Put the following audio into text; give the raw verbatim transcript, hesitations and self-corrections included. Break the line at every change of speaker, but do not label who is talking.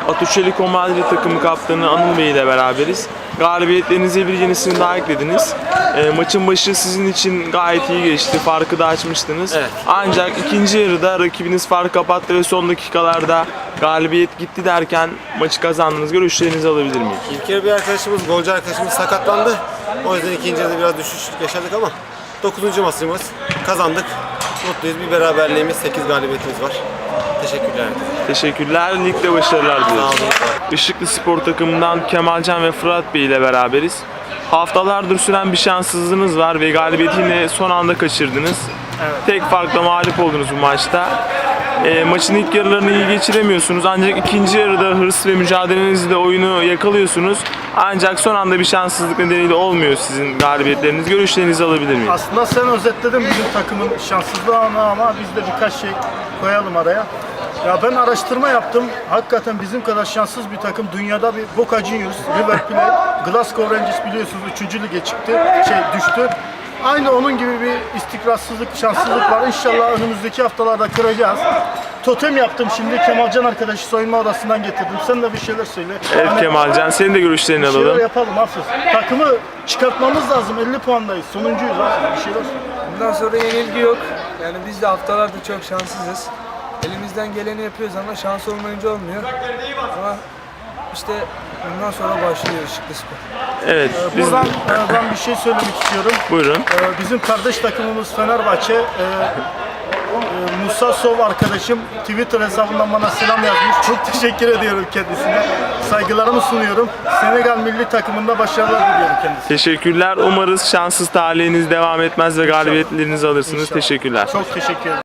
Atletico Madrid takımı kaptanı Anıl Bey ile beraberiz. Galibiyetlerinize bir yenisini daha eklediniz. E, maçın başı sizin için gayet iyi geçti. Farkı da açmıştınız.
Evet.
Ancak ikinci yarıda rakibiniz fark kapattı ve son dakikalarda galibiyet gitti derken maçı kazandınız. Görüşlerinizi alabilir miyim?
İlk yarı bir arkadaşımız, golcü arkadaşımız sakatlandı. O yüzden ikinci yarıda biraz düşüş yaşadık ama dokuzuncu maçımız kazandık. Mutluyuz. Bir beraberliğimiz, sekiz galibiyetimiz var. Teşekkürler.
Teşekkürler. Ligde başarılar
Sağ
diliyoruz.
olun.
Işıklı Spor takımından Kemalcan ve Fırat Bey ile beraberiz. Haftalardır süren bir şanssızlığınız var ve galibiyeti yine son anda kaçırdınız.
Evet.
Tek farkla mağlup oldunuz bu maçta. E, maçın ilk yarılarını iyi geçiremiyorsunuz ancak ikinci yarıda hırs ve mücadelenizle oyunu yakalıyorsunuz. Ancak son anda bir şanssızlık nedeniyle olmuyor sizin galibiyetleriniz. Görüşlerinizi alabilir miyim?
Aslında sen özetledin bizim takımın şanssızlığını ama biz de birkaç şey koyalım araya. Ya ben araştırma yaptım. Hakikaten bizim kadar şanssız bir takım dünyada bir Boca Juniors, River Plate, Glasgow Rangers biliyorsunuz üçüncü lige çıktı, şey düştü. Aynı onun gibi bir istikrarsızlık, şanssızlık var. İnşallah önümüzdeki haftalarda kıracağız. Totem yaptım şimdi. Kemalcan arkadaşı soyunma odasından getirdim. Sen de bir şeyler söyle.
Evet
Hani
Kemalcan, senin de görüşlerini
bir şeyler
alalım.
yapalım hafif. Takımı çıkartmamız lazım. elli puandayız. Sonuncuyuz hafif. Bir şeyler söyle.
Bundan sonra yenilgi yok. Yani biz de haftalardır çok şanssızız. Elimizden geleni yapıyoruz ama şans olmayınca olmuyor. Ama işte bundan sonra başlıyor Işıklı Spor.
Evet, biz
Buradan e, ben bir şey söylemek istiyorum.
buyurun.
E, Bizim kardeş takımımız Fenerbahçe. e, e, Musa Sov arkadaşım Twitter hesabından bana selam yazmış. Çok teşekkür ediyorum kendisine. Saygılarımı sunuyorum. Senegal milli takımında başarılar diliyorum kendisine.
Teşekkürler. Umarız şanssız talihiniz devam etmez ve galibiyetlerinizi alırsınız.
İnşallah.
Teşekkürler.
Çok teşekkür ederim.